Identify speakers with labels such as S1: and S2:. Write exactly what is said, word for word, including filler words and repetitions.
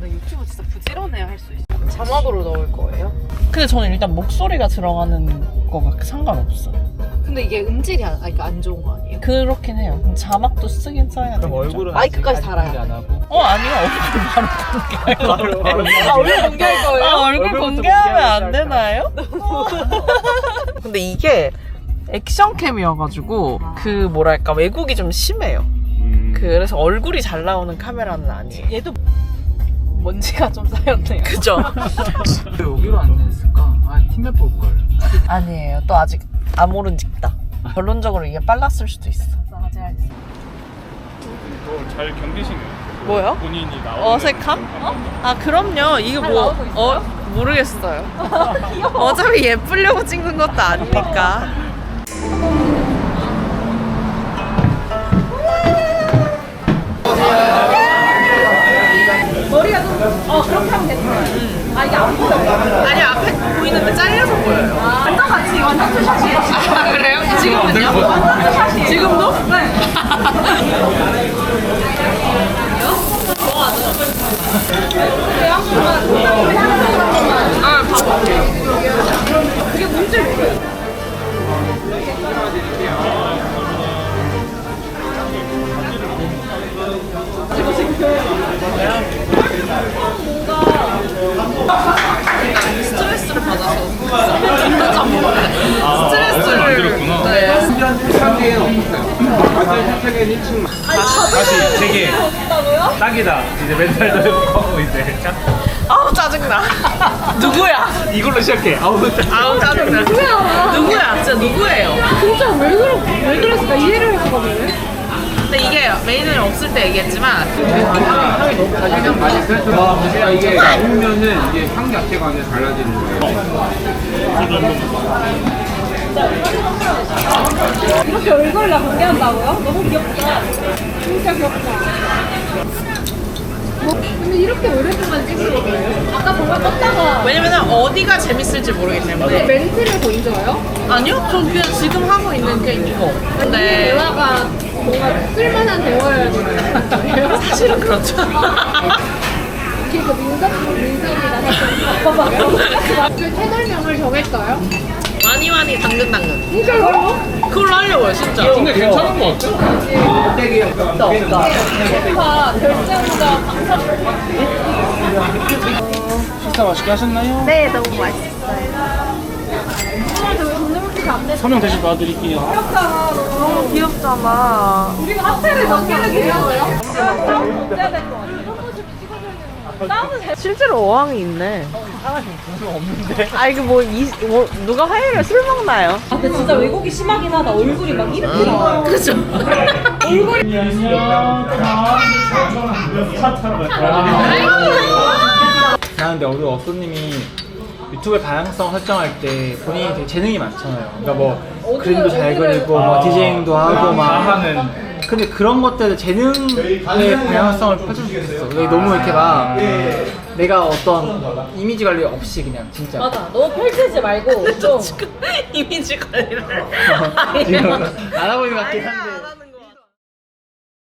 S1: 유튜브 진짜 부지런해야 할 수 있어. 자막으로 넣을 거예요?
S2: 근데 저는 일단 목소리가 들어가는 거가 상관없어.
S1: 근데 이게 음질이 안, 그러니까 안 좋은 거 아니에요?
S2: 그렇긴 해요. 자막도 쓰긴 써야
S3: 그럼
S2: 되겠죠?
S3: 얼굴은
S1: 마이크까지
S3: 아직
S1: 달아야
S3: 공개 안 하고.
S2: 어 아니요. 얼굴 바로 공개할
S3: 바로 바로
S1: 아, 얼굴 공개할 거예요?
S2: 아, 얼굴
S3: 얼굴부터
S2: 공개하면 안
S3: 공개하면
S2: 되나요? 근데 이게 액션캠이어가지고 그 뭐랄까 왜곡이 좀 심해요.
S3: 음.
S2: 그래서 얼굴이 잘 나오는 카메라는 아니에요.
S1: 얘도 먼지가 좀 쌓였네요.
S2: 그죠?
S3: 왜 여기로 안내했을까? 아 팀맵 볼걸.
S2: 아니에요. 또 아직 아모른 직다. 결론적으로 이게 빨랐을 수도 있어.
S1: 맞아, 알겠습니다.
S4: 이거 잘 견디시네요.
S2: 뭐요?
S4: 본인이 나오는
S2: 어색함? 아 그럼요. 이거
S1: 잘
S2: 뭐
S1: 나오고 있어요?
S2: 어? 모르겠어요. 어차피 예쁘려고 찍는 것도 아니니까.
S1: 머리가 좀, 어, 그렇게 하면 괜찮아요. 아, 이게 안 보여요.
S2: 아니 앞에 보이는데 잘려서 보여요.
S1: 아, 완전 같이, 완전 투샷이에요.
S2: 아 그래요? 지금은요?
S1: 완전 투샷이에요.
S2: 지금도?
S1: 네.
S2: 아 봐볼게요.
S1: 그게 뭔지 모르겠어요.
S2: 스트레스를 받아서 진짜 안 먹었네. 스트레스를 네.
S4: 다시 세 개. 딱이다. 이제 멘탈도 회복하고 이제.
S2: 아우 짜증나. 누구야?
S4: 이걸로 시작해. 아우 짜.
S2: 아우 짜증나.
S1: 누구야?
S2: 누구야? 진짜 누구예요?
S1: 진짜 왜 그러, 왜 그랬을까? 이해를 할 수가 없네.
S2: 근데 이게 메인은 없을 때 얘기했지만
S3: 그냥 많이 그래서 이게 나오면은 이게 향 자체가 완전 달라지는 거예요.
S1: 이렇게 얼굴을 다 공개한다고요? 너무 귀엽다. 진짜 귀엽다. 뭐, 근데 이렇게 오랫동안 찍는 거예요? 아까 정말 떴다가
S2: 왜냐면 어디가 재밌을지 모르기 때문에.
S1: 멘트를 보이잖아요?
S2: 아니요? 전 그냥 지금 하고 있는 게 이거. 근데
S1: 대화가 뭔가 쓸만한 대화여야 되는
S2: 사실은 그렇죠.
S1: 이게 그 민석, 민석이랑 했던 봐봐. 그 채널명을 정했어요?
S2: 많이 많이 당근당근.
S1: 진짜요?
S2: 그걸로 하려고요 진짜.
S4: 근데 괜찮은 것 같아.
S2: 없다 없다.
S1: 오빠 결정자 방송.
S4: 식사 맛있게 하셨나요?
S1: 네, 너무 맛있어요. 정말 저 돈내물티가 안 돼.
S4: 서명 대신 봐드릴게요.
S1: 귀엽잖아, 너무.
S2: 귀엽잖아.
S1: 우리가 하트를 몇 개를 드려요? 문제야 될것 같아. 한 번씩 찍어주려면 싸우는 잘.
S2: 실제로 어항이 있네.
S4: 하나씩 돈은 없는데.
S2: 아 이게 뭐, 이, 뭐 누가 화요일에 술 먹나요?
S1: 아, 근데 진짜 왜곡이 심하긴 하다. 얼굴이 막 이렇게 나와요.
S2: 그죠?
S1: 얼굴이.
S3: 아 근데 우리 어쏘님이 유튜브의 다양성 설정할 때 본인이 되게 재능이 많잖아요. 그러니까 뭐 그림도 잘 그리고 뭐 디제잉도 하고 막 하는. 근데 그런 것들을 재능의 다양성을 펼쳤으면 좋겠어. 근데 너무 이렇게 막 내가 어떤 이미지 관리 없이 그냥 진짜.
S1: 맞아. 너무 펼치지 말고 좀.
S2: 지금 이미지 관리를.
S3: 지금 알아보는 것 같긴 한데.